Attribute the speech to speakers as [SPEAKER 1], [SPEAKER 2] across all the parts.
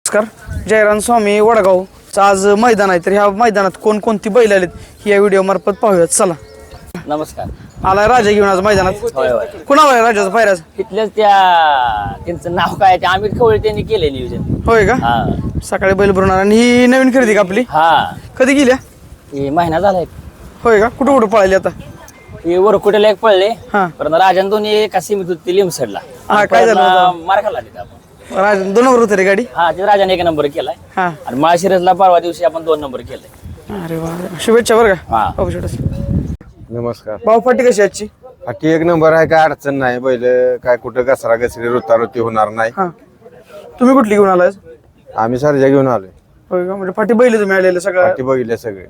[SPEAKER 1] नमस्कार. जयराम स्वामी वडगावचं आज मैदान आहे, तर ह्या मैदानात कोणकोणती बैल आलेत ही या व्हिडिओ मार्फत पाहूयात. चला.
[SPEAKER 2] नमस्कार.
[SPEAKER 1] आलाय राजा घेऊन आज मैदानात.
[SPEAKER 2] होय होय.
[SPEAKER 1] कुणावर आहे राजाचा पायराज?
[SPEAKER 2] तिथल्याच त्यांचं नाव काय ते अमित खवळे त्यांनी केले नियोजन.
[SPEAKER 1] होय का?
[SPEAKER 2] हा
[SPEAKER 1] सकाळी बैल भरून आला. आणि ही नवीन खरेदी का आपली?
[SPEAKER 2] हा
[SPEAKER 1] कधी गेल्या?
[SPEAKER 2] हे महिना झालाय.
[SPEAKER 1] होय का? कुठं कुठं पळाली आता?
[SPEAKER 2] हे वरकुटेला एक पळले.
[SPEAKER 1] हा.
[SPEAKER 2] परत राजन दोन्ही एका सीमित होती लिमसडला.
[SPEAKER 1] हा, काय झालं होतं?
[SPEAKER 2] मार खाल्ला तिथं आपण.
[SPEAKER 1] राजा 2 नंबर होते रे गाडी.
[SPEAKER 2] हा ते राजाने 1 नंबर केलाय.
[SPEAKER 1] हा.
[SPEAKER 2] आणि माळशिरसला परवा दिवशी आपण 2 नंबर केलाय.
[SPEAKER 1] अरे वा, शुभेच्छा बरं का.
[SPEAKER 2] हा.
[SPEAKER 1] बाबू शेटस.
[SPEAKER 3] नमस्कार.
[SPEAKER 1] भाऊ फाटी कशी आजची?
[SPEAKER 3] बाकी 1 नंबर आहे, काय अडचण नाही. बैल काय कुठं घसरा घसरी रुतारुती होणार नाही.
[SPEAKER 1] हा. तुम्ही कुठली घेऊन आलाय?
[SPEAKER 3] आम्ही सर्जा घेऊन आलोय.
[SPEAKER 1] होय का? म्हणजे फाटी बैल तुम्ही आलेले सगळं.
[SPEAKER 3] बाकी बघितले सगळे.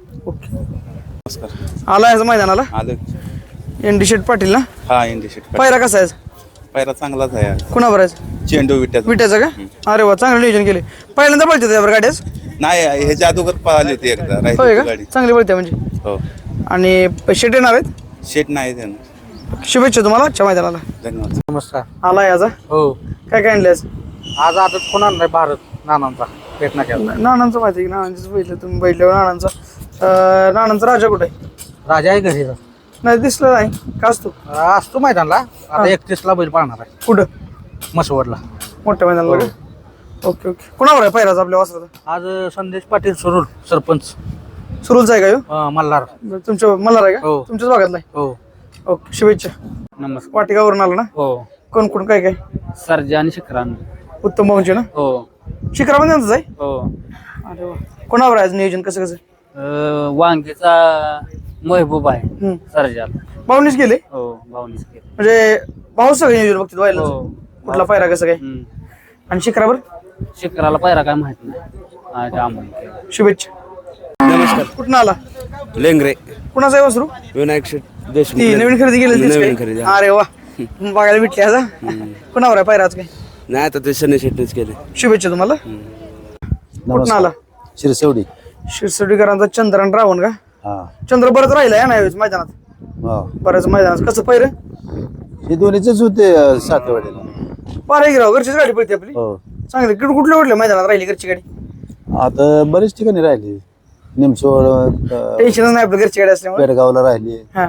[SPEAKER 1] ओके. आलाय आज मैदानाला?
[SPEAKER 4] आलं.
[SPEAKER 1] एनडी शेट पाटील ना?
[SPEAKER 4] हा इंडी शेट
[SPEAKER 1] पायरा कसा आहे?
[SPEAKER 4] पायरा चांगलाच आहे.
[SPEAKER 1] कुणावर आहे?
[SPEAKER 4] चेंडू विट्याचा
[SPEAKER 1] विट्याचं का? अरे वा, चांगलं नियोजन केले. पहिल्यांदा पळते त्यावर गाड्याच?
[SPEAKER 4] नाही, ह्याच्या अगोदर पळाली होती एकदा
[SPEAKER 1] होय
[SPEAKER 4] राहिली
[SPEAKER 1] का?
[SPEAKER 4] गाडी.
[SPEAKER 1] चांगली पळते म्हणजे.
[SPEAKER 4] हो.
[SPEAKER 1] आणि शेट येणार आहेत?
[SPEAKER 4] शेट नाही त्यांना.
[SPEAKER 1] शुभेच्छा तुम्हाला आजच्या मैदानाला.
[SPEAKER 4] धन्यवाद.
[SPEAKER 5] नमस्कार.
[SPEAKER 1] आलाय आज?
[SPEAKER 5] हो,
[SPEAKER 1] काय काय आणले आज?
[SPEAKER 5] आज आदत कोण आणलाय? भारत नानांचा प्रयत्न केला.
[SPEAKER 1] नानांचं माहिती आहे की नानांचंच बैल तुम्ही बैठल्यावर नानांचा. नानांचा राजा कुठे आहे?
[SPEAKER 5] राजा आहे घरी.
[SPEAKER 1] नाही दिसलं नाही का? असतो
[SPEAKER 5] असतो मैदानला. आता 31ला बैल पाळणार आहे
[SPEAKER 1] कुठं?
[SPEAKER 5] मसवडला.
[SPEAKER 1] मोठ्या मैदानाला का? Okay okay. कुणावर आहे पायराज आपल्या वासराचा?
[SPEAKER 5] आज संदेश पाटील सुरूर सरपंच
[SPEAKER 1] सुरूलचा आहे का ह्यो?
[SPEAKER 5] मल्हार.
[SPEAKER 1] तुमच्या मल्हार आहे का?
[SPEAKER 5] हो.
[SPEAKER 1] तुमच्याच भागातला आहे?
[SPEAKER 5] हो.
[SPEAKER 1] ओके, शुभेच्छा.
[SPEAKER 5] नमस्कार.
[SPEAKER 1] वाटिकावरून आला ना?
[SPEAKER 5] हो.
[SPEAKER 1] कोण कोण काय काय?
[SPEAKER 5] सरजा आणि शिखरान.
[SPEAKER 1] उत्तम भाऊंचे ना?
[SPEAKER 5] हो.
[SPEAKER 1] शिखरा पण त्यांचंच आहे?
[SPEAKER 5] हो.
[SPEAKER 1] अरे वा. कोणावर आहे आज नियोजन कसं कसं?
[SPEAKER 5] वांगीचा महबूब आहे
[SPEAKER 1] हम्म.
[SPEAKER 5] सरजाला.
[SPEAKER 1] भाऊनीच गेले
[SPEAKER 5] हो, भावनीच केलं.
[SPEAKER 1] म्हणजे भाऊ सगळे नियोजन बघतील व्हायला.
[SPEAKER 5] हो.
[SPEAKER 1] कुठला पायरा कसं काय? आणि शिखरावर
[SPEAKER 5] शिखराला पायरा काय माहित नाही. आज आम्हाला केलं.
[SPEAKER 1] शुभेच्छा.
[SPEAKER 6] नमस्कार.
[SPEAKER 1] कुठं आला?
[SPEAKER 6] लेंगरे
[SPEAKER 1] कुणाचा आहे वासरू?
[SPEAKER 6] विनायक शेठ देशमुख.
[SPEAKER 1] ती नवीन खरेदी केली
[SPEAKER 6] नवीन खरेदी.
[SPEAKER 1] अरे वा, बघायला भेटली आज. कुणावर आहे पायरा आज काय?
[SPEAKER 6] नाही आता ते शनी शेटनेच केले.
[SPEAKER 1] शुभेच्छा तुम्हाला. कुठं आला?
[SPEAKER 3] शिरसेवडी.
[SPEAKER 1] शिरसोडीकरांचा चंद्र आणि रावण का?
[SPEAKER 3] हा.
[SPEAKER 1] चंद्र बरंच राहिलाय ना यावेळेस मैदानात. बऱ्याच मैदानात कसं पहिरं?
[SPEAKER 3] हे दोन्हीचेच होते सातेवाडीला.
[SPEAKER 1] पारे गिराव घरचीच गाडी पडते आपली.
[SPEAKER 3] हो.
[SPEAKER 1] चांगली. कुठल्या कुठल्या मैदानात राहिली घरची गाडी?
[SPEAKER 3] आता बरेच ठिकाणी राहिली. निमसोड,
[SPEAKER 1] टेन्शनच नाही आपलं घरची गाडी असल्यामुळे.
[SPEAKER 3] पेडगावला राहिली.
[SPEAKER 1] हा.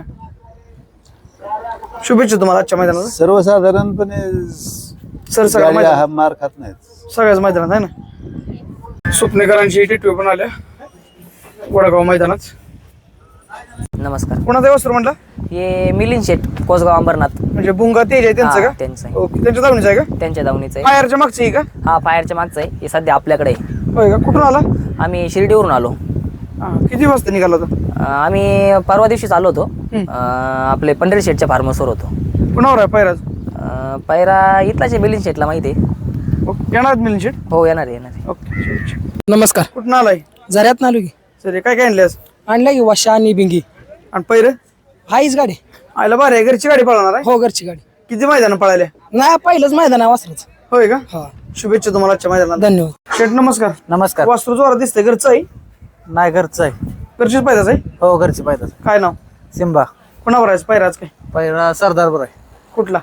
[SPEAKER 1] शुभेच्छा तुम्हाला आजच्या मैदानाला.
[SPEAKER 3] सर्वसाधारणपणे
[SPEAKER 1] सर सगळ्या
[SPEAKER 3] गाडी
[SPEAKER 1] मैदानात,
[SPEAKER 3] हा मार खात नाहीत.
[SPEAKER 1] सगळ्याच मैदानात आहे ना. स्वप्नेकरांची टिटवी पण आल्या वडगाव मैदानात.
[SPEAKER 2] नमस्कार.
[SPEAKER 1] कोणाचा वस्त्र म्हटलं?
[SPEAKER 2] हे मिलिंद शेट कोसगाव अंबरनाथ.
[SPEAKER 1] म्हणजे बुंगा तेज आहे त्यांचं
[SPEAKER 2] हा,
[SPEAKER 1] का?
[SPEAKER 2] त्यांचं आहे.
[SPEAKER 1] ओके. त्यांच्या दावणीचं आहे का?
[SPEAKER 2] त्यांच्या दावणीचं आहे.
[SPEAKER 1] फायरच्या मागचं आहे का?
[SPEAKER 2] हा फायरच्या मागचं आहे. हे सध्या आपल्याकडे आहे.
[SPEAKER 1] होय का? कुठून आला?
[SPEAKER 2] आम्ही शिर्डीवरून आलो.
[SPEAKER 1] हा. किती वाजता निघाला होता?
[SPEAKER 2] आम्ही परवा दिवशीच आलो होतो. आपले पंढरी शेटच्या फार्मसवर होतो.
[SPEAKER 1] कुणावर आहे पायराज?
[SPEAKER 2] पैरा इथलाच आहे मिलिंद शेटला माहिती आहे.
[SPEAKER 1] ओके. येणार मिलिंद शेट?
[SPEAKER 2] हो येणार आहे, येणार आहे.
[SPEAKER 1] ओके, शुभेच्छा.
[SPEAKER 7] नमस्कार.
[SPEAKER 1] कुठून आलाय?
[SPEAKER 7] झऱ्यात नालू की
[SPEAKER 1] सर काय काय आणले आज?
[SPEAKER 7] आणल्या की वाशा आणि बिंगी.
[SPEAKER 1] आणि पहिरं?
[SPEAKER 7] हाईच गाडी.
[SPEAKER 1] आयला बरं आहे. घरची गाडी पळवणार आहे?
[SPEAKER 7] हो, घरची गाडी.
[SPEAKER 1] किती मैदान पळाल्या?
[SPEAKER 7] नाही, पहिलंच मैदान आहे वासराचं.
[SPEAKER 1] होय का?
[SPEAKER 7] हा.
[SPEAKER 1] शुभेच्छा तुम्हाला आजच्या मैदानाला.
[SPEAKER 7] धन्यवाद.
[SPEAKER 1] शेट नमस्कार.
[SPEAKER 5] नमस्कार.
[SPEAKER 1] वास्तू जोरात दिसतंय. घरचं आहे?
[SPEAKER 5] नाही, घरचं आहे.
[SPEAKER 1] घरचीच पायदाच आहे?
[SPEAKER 5] हो, घरची पायदा.
[SPEAKER 1] काय नाव?
[SPEAKER 5] सिंबा.
[SPEAKER 1] कोणावर आहे पायराज काय?
[SPEAKER 5] पायरा सरदार बरं आहे.
[SPEAKER 1] कुठला?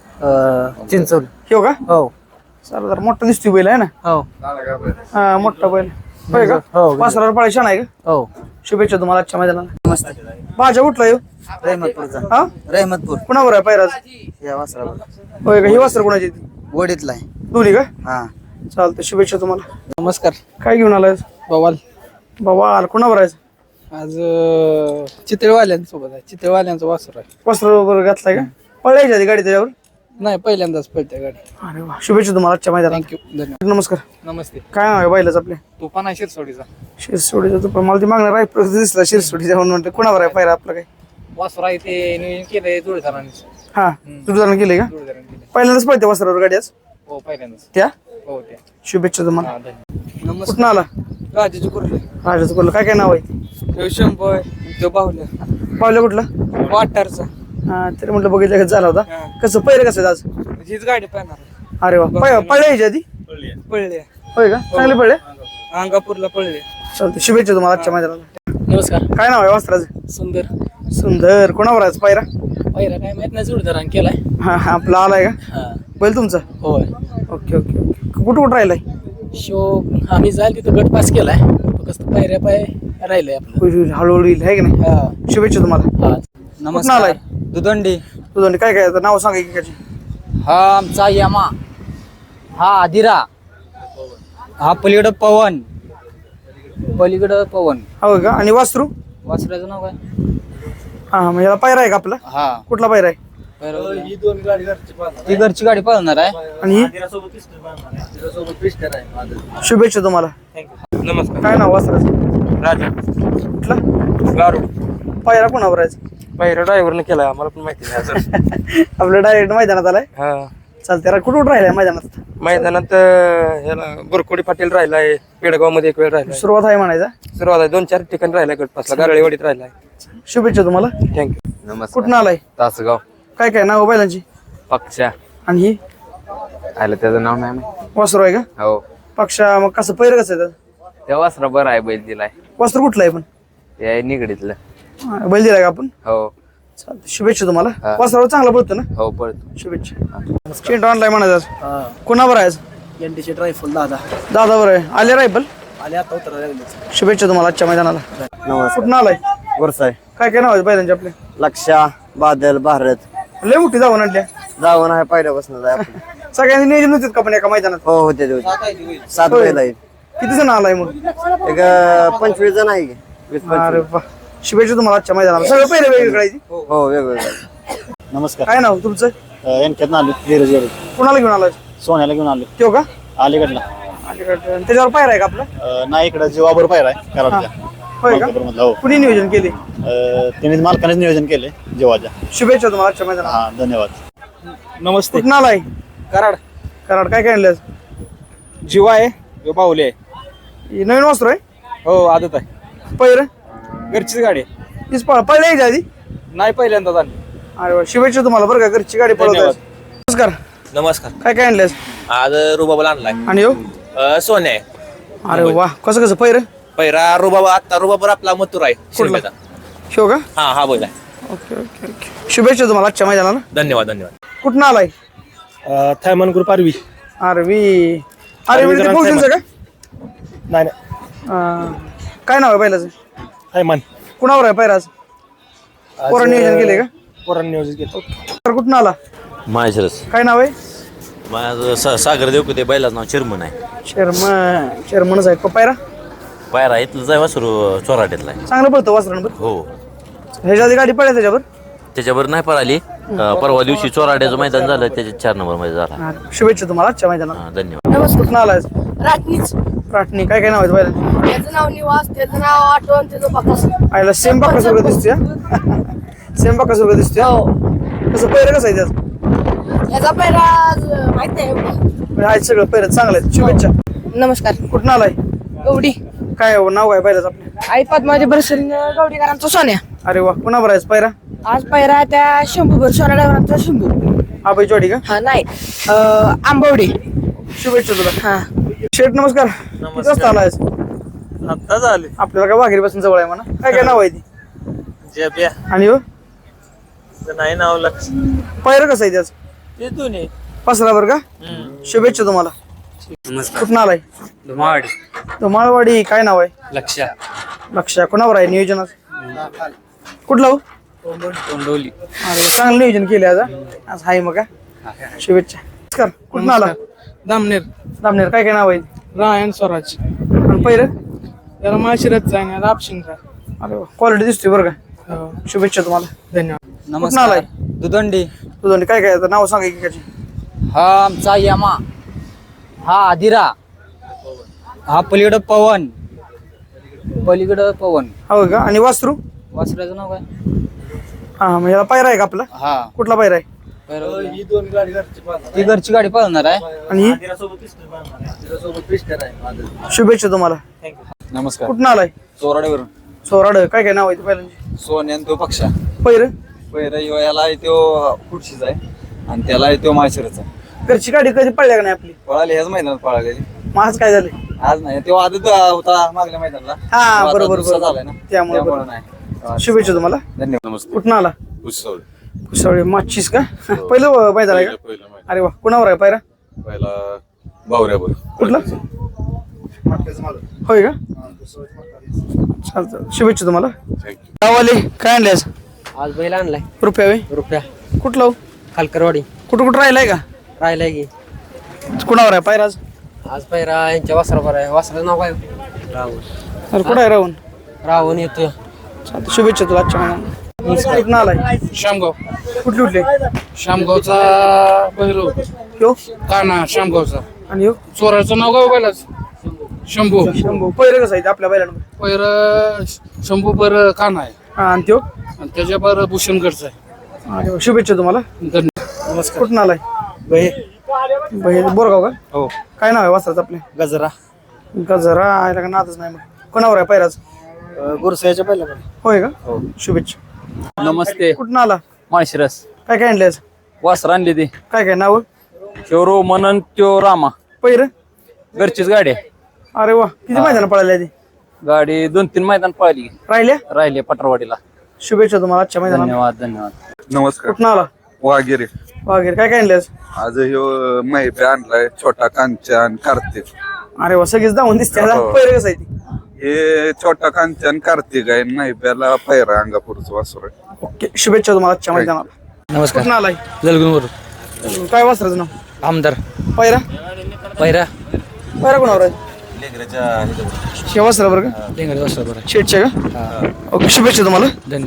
[SPEAKER 5] चिंचवली.
[SPEAKER 1] हो का?
[SPEAKER 5] हो.
[SPEAKER 1] सरदार मोठा दिसतोय बैल आहे ना?
[SPEAKER 5] हो.
[SPEAKER 1] हा, मोठा बैल. होय का?
[SPEAKER 5] हो.
[SPEAKER 1] वासरावर पाळी छान आहे का?
[SPEAKER 5] हो.
[SPEAKER 1] शुभेच्छा तुम्हाला आजच्या मैदानाला. नमस्ते. भाज्या कुठला येऊ?
[SPEAKER 5] रहमतपूरचा.
[SPEAKER 1] हा?
[SPEAKER 5] रहमतपूर.
[SPEAKER 1] कुणावर आहे पायराज?
[SPEAKER 5] या वासरावर.
[SPEAKER 1] होय का? ही वासर कोणाची ती?
[SPEAKER 5] वडीतला आहे.
[SPEAKER 1] दोन्ही का?
[SPEAKER 5] हा.
[SPEAKER 1] चालतं. शुभेच्छा तुम्हाला.
[SPEAKER 7] नमस्कार.
[SPEAKER 1] काय घेऊन आलाय?
[SPEAKER 7] बवाल.
[SPEAKER 1] बाबा कुणावर आहे?
[SPEAKER 7] आज चितळवाल्यांसोबत आहे. चितळवाल्यांचं वासर आहे.
[SPEAKER 1] वस्त्र वगैरे घातलाय का? पळायच्या आधी गाडी त्याच्यावर?
[SPEAKER 7] नाही, पहिल्यांदाच पळते गाडी.
[SPEAKER 1] अरे वा, शुभेच्छा तुम्हाला आजच्या मैदानात.
[SPEAKER 7] थँक्यू. धन्यवाद.
[SPEAKER 1] नमस्कार.
[SPEAKER 7] नमस्ते.
[SPEAKER 1] काय नाव आहे बैलाच आपल्या?
[SPEAKER 7] तुफान आहे शिरसोडीचा.
[SPEAKER 1] शिरसोडीचा तो पण मला ती मागणार आहे दिसला शिरसोडीचा म्हणून म्हणते. कोणावर आहे पायरा आपला काय?
[SPEAKER 7] वासर आहे ते नियोजन केलंय जोडीदारांनी.
[SPEAKER 1] हा, तुझं केले का?
[SPEAKER 7] जोडीदारांनी केलंय.
[SPEAKER 1] पहिल्यांदाच पळते वस्त्रावर गाडी आज
[SPEAKER 7] हो, पहिल्यांदाच.
[SPEAKER 1] त्या.
[SPEAKER 7] हो, त्या.
[SPEAKER 1] शुभेच्छा तुम्हाला.
[SPEAKER 7] हा, धन्यवाद.
[SPEAKER 1] कुठून आला?
[SPEAKER 7] राजाची कुर्ले.
[SPEAKER 1] राजाचं बोललं. काय काय नाव आहे?
[SPEAKER 7] शंभर तो बाहुल्या.
[SPEAKER 1] पावलं कुठला?
[SPEAKER 7] वाटारचा.
[SPEAKER 1] हा, तरी म्हटलं बघितलं कसं झाला होता. कसं पहिलं कसं आहे आज?
[SPEAKER 7] हीच गाडी पाहणार.
[SPEAKER 1] अरे वा, पळले याच्या आधी?
[SPEAKER 7] पळले.
[SPEAKER 1] होय का? चांगले पळले.
[SPEAKER 7] अंगापूरला पळले.
[SPEAKER 1] चालते. शुभेच्छा तुम्हाला आजच्या मैदानाला.
[SPEAKER 7] नमस्कार.
[SPEAKER 1] काय नाव आहे वस्त्राचं?
[SPEAKER 7] सुंदर.
[SPEAKER 1] सुंदर. कोणावर आहे पायरा?
[SPEAKER 7] पहिला काय माहित नाही, जोडीदारांनी केलाय.
[SPEAKER 1] हा, आपला आलाय का?
[SPEAKER 7] हा.
[SPEAKER 1] बैल तुमचा?
[SPEAKER 7] होय.
[SPEAKER 1] Okay okay okay. कुठं कुठं राहिलाय?
[SPEAKER 7] शो आम्ही जाईल तिथं गट पास केलाय फक्त पायऱ्या पाय राहिलंय आपलं.
[SPEAKER 1] होईल, होईल, हळूहळू येईल, आहे की नाही?
[SPEAKER 7] हा.
[SPEAKER 1] शुभेच्छा तुम्हाला.
[SPEAKER 7] हा.
[SPEAKER 1] कुठनं आलाय?
[SPEAKER 2] दुदंडी.
[SPEAKER 1] तुझं काय काय आता नाव सांगा एकेकाची.
[SPEAKER 2] हा आमचा यमा. हा आदिरा. हा पलीकडं पवन.
[SPEAKER 1] हो का? आणि वासरू?
[SPEAKER 2] वासराचं नाव काय?
[SPEAKER 1] हा म्हणजे याला पायरा आहे का आपला?
[SPEAKER 2] हा
[SPEAKER 1] कुठला पायरा आहे?
[SPEAKER 2] ती घरची गाडी पळणार आहे.
[SPEAKER 1] आणि शुभेच्छा तुम्हाला.
[SPEAKER 6] नमस्कार.
[SPEAKER 1] काय नाव वासराचं?
[SPEAKER 6] राजा
[SPEAKER 1] कुठला?
[SPEAKER 6] गारू.
[SPEAKER 1] पायरा कोणावर आहे?
[SPEAKER 6] पहिला ड्रायव्हरने केलाय आम्हाला पण माहिती नाही अजून.
[SPEAKER 1] आपलं डायरेक्ट मैदानात आलाय.
[SPEAKER 6] हा
[SPEAKER 1] चालते. कुठं राहिलाय मैदानात?
[SPEAKER 6] मैदानात ह्याला बुरकोडी पाटील राहिलाय, पेडगाव मध्ये एक वेळ राहिलाय.
[SPEAKER 1] सुरुवात आहे म्हणायचा.
[SPEAKER 6] सुरुवात आहे 2-4 ठिकाणी राहिलाय गटपासला, गारळेवाडीत राहिलाय.
[SPEAKER 1] शुभेच्छा तुम्हाला.
[SPEAKER 6] थँक्यू.
[SPEAKER 1] कुठं आलाय?
[SPEAKER 3] तासगाव
[SPEAKER 1] काय काय नाव बैलांची?
[SPEAKER 3] पक्षा
[SPEAKER 1] आणि ही
[SPEAKER 3] आलं त्याचं नाव नाही माहिती.
[SPEAKER 1] वासरू आहे का?
[SPEAKER 3] हो
[SPEAKER 1] पक्षा मग कसं पैर कसं आहे त्याचं?
[SPEAKER 3] त्या वासरा बरं आहे, बैल दिलाय.
[SPEAKER 1] वासरू कुठलं आहे पण?
[SPEAKER 3] ते निगडीतलं.
[SPEAKER 1] बैल दिलाय का आपण?
[SPEAKER 3] हो
[SPEAKER 1] चालतंय. शुभेच्छा तुम्हाला.
[SPEAKER 3] हा.
[SPEAKER 1] वासरावर चांगला पडतो ना?
[SPEAKER 3] हो पळतो.
[SPEAKER 1] शुभेच्छा. चेंडू आणलाय म्हणायचं. कोणावर आहे आज?
[SPEAKER 7] एनटीचे ड्रायफुल दादा
[SPEAKER 1] दादावर आहे. आले रायफल.
[SPEAKER 7] आले आता उतरा लागले.
[SPEAKER 1] शुभेच्छा तुम्हाला आजच्या मैदानाला. कुठं आलाय?
[SPEAKER 8] गुरसाय,
[SPEAKER 1] काय काय नाव आहे बैलांचे आपले?
[SPEAKER 8] लक्षा, बादल, भारत
[SPEAKER 1] लय मोठी जाऊन आणल्या.
[SPEAKER 8] जाऊन आहे पहिल्यापासून आहे आपण.
[SPEAKER 1] सगळ्यांनी नियोजन होते का पण एका मैदानात?
[SPEAKER 8] हो होते 7 बैल आहेत.
[SPEAKER 1] किती जण आलाय मग?
[SPEAKER 8] एक 25 जण आहे की 20-25.
[SPEAKER 1] अरे वा. शुभेच्छा तुम्हाला आजच्या मैदानाला. सगळं पहिलं वेगवेगळं आहे.
[SPEAKER 8] हो वेगवेगळे.
[SPEAKER 5] नमस्कार.
[SPEAKER 1] काय नाव तुमचं?
[SPEAKER 5] यांच्यात आलो धीरज गेलो,
[SPEAKER 1] कुणाला घेऊन आलाय?
[SPEAKER 5] सोन्याला घेऊन आलो
[SPEAKER 1] त्यो का?
[SPEAKER 5] अलीकडला.
[SPEAKER 1] अलीकडे. आणि त्याच्यावर पायरा आहे का आपला?
[SPEAKER 5] नाही इकडं जीवाबर पाहिला आहे कराडच्या
[SPEAKER 1] होय का?
[SPEAKER 5] मधला. हो
[SPEAKER 1] कुणी नियोजन केले?
[SPEAKER 5] त्यांनी मालकानेच नियोजन केले जीवाच्या.
[SPEAKER 1] शुभेच्छा तुम्हाला आजच्या मैदानाला.
[SPEAKER 5] हा धन्यवाद. नमस्ते.
[SPEAKER 1] कुठं आलाय?
[SPEAKER 5] कराड.
[SPEAKER 1] कराड. काय काय आणलं?
[SPEAKER 5] जीवा आहे, बाहुली आहे.
[SPEAKER 1] ही नवीन वस्त्र आहे?
[SPEAKER 5] हो आदत आहे.
[SPEAKER 1] पहिलं
[SPEAKER 5] घरचीच गाडी आहे.
[SPEAKER 1] तीच पळले यायच्या आधी?
[SPEAKER 5] नाही पहिल्यांदा झाली.
[SPEAKER 1] अरे वा. शुभेच्छा तुम्हाला बरं का. घरची गाडी पळवत आहे. नमस्कार.
[SPEAKER 9] नमस्कार.
[SPEAKER 1] काय काय आणलेस?
[SPEAKER 9] आज रुबाबाला आणलाय
[SPEAKER 1] आणि हो?
[SPEAKER 9] सोन्या आहे.
[SPEAKER 1] अरे वा. कसं कसं पहिरं?
[SPEAKER 9] पहिला रुबाबा, आता रुबाबर आपला मथुर आहे
[SPEAKER 1] कुठला?
[SPEAKER 9] शिरपेचा.
[SPEAKER 1] शो का?
[SPEAKER 9] हा बोल आहे.
[SPEAKER 1] Okay okay okay. शुभेच्छा तुम्हाला आजच्या मैदानाला.
[SPEAKER 9] धन्यवाद.
[SPEAKER 1] कुठं आलाय?
[SPEAKER 5] थायमान ग्रुप आरवी.
[SPEAKER 1] आरवी. आरवी ते फौजींचं का?
[SPEAKER 5] नाही
[SPEAKER 1] काय नाव आहे बैलाचं?
[SPEAKER 5] थायमान
[SPEAKER 1] कुणावर आहे पैराज? पोरांनी नियोजन केले का?
[SPEAKER 5] पोरांनी नियोजन केलं.
[SPEAKER 1] तर कुठून आला?
[SPEAKER 10] माहेश्वरच.
[SPEAKER 1] काय नाव आहे?
[SPEAKER 10] माझं सागर देवकुते बैलाचं नाव चिरमन आहे.
[SPEAKER 1] चेअरमनच आहे. पायरा
[SPEAKER 10] पायरा इथलं जाय वासरू चोराट्यातला आहे.
[SPEAKER 1] चांगलं पळतं वासरांवर.
[SPEAKER 10] हो
[SPEAKER 1] ह्याच्या आधी गाडी पळल्या त्याच्यावर?
[SPEAKER 10] त्याच्यावर नाही पळाली. परवा दिवशी चोराट्याचं मैदान झालं, त्याच्या 4 नंबर मध्ये झाला.
[SPEAKER 1] शुभेच्छा तुम्हाला आजच्या मैदानाला.
[SPEAKER 10] हा, धन्यवाद.
[SPEAKER 1] कुठून आलाय?
[SPEAKER 11] राटणीच.
[SPEAKER 1] राटणी. काय काय नाव आहे बैलांची?
[SPEAKER 11] त्याचं नाव निवास, त्याचं नाव आठवण, त्याचं बाकास.
[SPEAKER 1] आयला सेम बाकासारखं दिसतोय. सेम बाकासारखं दिसतोय. कसं पैर कसं आहे त्याचं?
[SPEAKER 11] याचा पहिला माहित नाही एवढं.
[SPEAKER 1] आहे सगळं पैर चांगलं आहे. शुभेच्छा.
[SPEAKER 11] नमस्कार.
[SPEAKER 1] कुठून आलाय?
[SPEAKER 11] गौडी.
[SPEAKER 1] काय नाव आहे बैलाचं आपल्या?
[SPEAKER 11] आई पद्माजी बरसरीन गौडीकरांचा सोन्या.
[SPEAKER 1] अरे वा. कुणावर आहे पैरा?
[SPEAKER 11] आज पहिला त्या शंभूभर सोन्या ड्रायव्हरांचा शंभू.
[SPEAKER 1] आबाई जोडी का?
[SPEAKER 11] हा नाही आंबवडी.
[SPEAKER 1] शुभेच्छा तुला.
[SPEAKER 11] हा.
[SPEAKER 1] शेठ नमस्कार. किती वाजता आलाय?
[SPEAKER 5] आता झाले.
[SPEAKER 1] आपल्याला काय वाघेरी पासून जवळ आहे म्हणा. काय काय नाव आहे ती?
[SPEAKER 5] जेब्या
[SPEAKER 1] आणि हो?
[SPEAKER 5] नाही नाव लक्ष.
[SPEAKER 1] पैर कसं आहे त्याचं?
[SPEAKER 5] ते दोन्ही
[SPEAKER 1] पसरावर का? शुभेच्छा तुम्हाला. कुठून आलाय? धुमाळवाडी. काय नाव आहे?
[SPEAKER 2] लक्षा.
[SPEAKER 1] लक्ष. कोणावर आहे नियोजनात? कुठलं हो?
[SPEAKER 2] तोंडोली.
[SPEAKER 1] अरे चांगलं नियोजन केले आज. आज हाय मग का? शुभेच्छा. नमस्कार. कुठून आला?
[SPEAKER 7] दामनेर.
[SPEAKER 1] दामनेर. काय काय नाव आहे?
[SPEAKER 7] रायन स्वराज.
[SPEAKER 1] आणि पहिलं?
[SPEAKER 7] त्याला माशिरत जाईन आपशिंग.
[SPEAKER 1] अरे क्वालिटी दिसते बरं का. शुभेच्छा तुम्हाला.
[SPEAKER 7] धन्यवाद.
[SPEAKER 1] कुठून आलाय?
[SPEAKER 2] दुदंडी.
[SPEAKER 1] तुझं काय काय आता नाव सांगा एकेकाची.
[SPEAKER 2] हा आमचा यमा. हा आदिरा. हा पलीकडं पवन.
[SPEAKER 1] हो का? आणि वासरू?
[SPEAKER 2] वासराचं नाव काय?
[SPEAKER 1] हा म्हणजे याला पायरा आहे का आपला?
[SPEAKER 2] हा
[SPEAKER 1] कुठला पायरा आहे?
[SPEAKER 2] ती घरची गाडी पळणार आहे.
[SPEAKER 1] आणि ही? शुभेच्छा तुम्हाला.
[SPEAKER 5] नमस्कार.
[SPEAKER 1] कुठून आलाय?
[SPEAKER 5] चोराड्यावरून.
[SPEAKER 1] सोराड. काय काय नाव आहे पहिल्यांची?
[SPEAKER 5] सोन्यान तो पक्षा.
[SPEAKER 1] पहिरं?
[SPEAKER 5] पहिला याला तो खुर्शीचा आहे आणि त्याला तो माहेश्वरचा.
[SPEAKER 1] घरची गाडी कधी पडल्या का नाही आपली?
[SPEAKER 5] पळाली ह्याच मैदानात पळालेली.
[SPEAKER 1] मग आज काय झालं?
[SPEAKER 5] आज नाही तो आदत होता मागल्या मैदानाला.
[SPEAKER 1] हा
[SPEAKER 5] तो आता
[SPEAKER 1] बरोबर
[SPEAKER 5] दुसरा
[SPEAKER 1] बरोबर.
[SPEAKER 5] झालाय ना
[SPEAKER 1] त्यामुळे
[SPEAKER 5] त्यामुळे
[SPEAKER 1] बरोबर.
[SPEAKER 5] नाही.
[SPEAKER 1] शुभेच्छा तुम्हाला.
[SPEAKER 5] धन्यवाद. नमस्कार.
[SPEAKER 1] कुठून आला? सॉरी माचीस का? पहिलं मैदान आहे का? अरे वा. कुणावर आहे पायरा?
[SPEAKER 4] पहिला बावऱ्यावर.
[SPEAKER 1] कुठला? होय का चालतं शुभेच्छा तुम्हाला गावाले काय आणले
[SPEAKER 6] आज बैल आणलाय
[SPEAKER 1] रुपया वे
[SPEAKER 6] रुपया
[SPEAKER 1] कुठला हो?
[SPEAKER 6] खालकरवाडी
[SPEAKER 1] कुठं राहिलाय का
[SPEAKER 6] राहिलाय की
[SPEAKER 1] कुणावर आहे पायराज
[SPEAKER 6] आज पैरा यांच्या वासरावर आहे वासराचं नाव काय राहुल
[SPEAKER 1] अरे कुठं आहे राहून
[SPEAKER 6] राहुल येतोय
[SPEAKER 1] चालतं शुभेच्छा तुला आजच्या महिन्यात कुठं आलाय
[SPEAKER 7] शामगाव
[SPEAKER 1] कुठले कुठले
[SPEAKER 7] शामगावचा बहिरो
[SPEAKER 1] यो
[SPEAKER 7] काना शामगावचा
[SPEAKER 1] आणि यो
[SPEAKER 7] चोराचं नाव गाव बैलाच शंभू
[SPEAKER 1] शंभू पहिलं कसं आहे आपल्या बैलांमध्ये
[SPEAKER 7] पैर शंभू पर काना आहे
[SPEAKER 1] हा आणि त्यो
[SPEAKER 7] आणि त्याच्या पर भूषणगडचा आहे
[SPEAKER 1] अरे वा, शुभेच्छा तुम्हाला
[SPEAKER 7] धन्यवाद.
[SPEAKER 1] कुठून आलाय भाई बोरगाव का हो काय नाव आहे वासराचं आपले
[SPEAKER 5] गजरा
[SPEAKER 1] गजरा आहे का नादच नाही मग कोणावर आहे पैराज
[SPEAKER 5] गुरसाच्या पहिला
[SPEAKER 1] होय का शुभेच्छा
[SPEAKER 5] नमस्ते
[SPEAKER 1] कुठून आला
[SPEAKER 5] माळशिरस
[SPEAKER 1] काय काय आणले आज
[SPEAKER 5] वासर आणली ती
[SPEAKER 1] काय काय नाव
[SPEAKER 5] शिवरो मनन त्यो रामा
[SPEAKER 1] पैर
[SPEAKER 5] घरचीच गाडी आहे.
[SPEAKER 1] अरे वा किती मैदान पळाले ती
[SPEAKER 5] गाडी 2-3 मैदान पळाली
[SPEAKER 1] राहिल्या
[SPEAKER 5] राहिले पटरवाडीला
[SPEAKER 1] शुभेच्छा तुम्हाला आजच्या मैदानात
[SPEAKER 5] धन्यवाद
[SPEAKER 3] नमस्कार
[SPEAKER 1] कुठून आला
[SPEAKER 3] वाघेरे
[SPEAKER 1] वगैरे काय काय आणले आज
[SPEAKER 3] आज ह्यो महिपे आणलाय छोटा कांचन कार्तिक
[SPEAKER 1] अरे वा सगळीच धावून दिसते
[SPEAKER 3] हो.
[SPEAKER 1] पैर कसं आहे ती
[SPEAKER 3] हे छोटा कांचन कार्तिक आहे महिप्याला पैरा अंगापूरचं वासर आहे
[SPEAKER 1] ओके शुभेच्छा तुम्हाला आजच्या मैदानात
[SPEAKER 6] नमस्कार
[SPEAKER 1] कुठून आलाय
[SPEAKER 6] जलगुनवर
[SPEAKER 1] काय वासराचं नाव
[SPEAKER 6] आमदार
[SPEAKER 1] पैरा
[SPEAKER 6] पैरा
[SPEAKER 1] पैरा कोणावर आहे शेवा सर बरं का
[SPEAKER 6] लेंगरे वासरावर आहे
[SPEAKER 1] शेटच्या का ओके शुभेच्छा तुम्हाला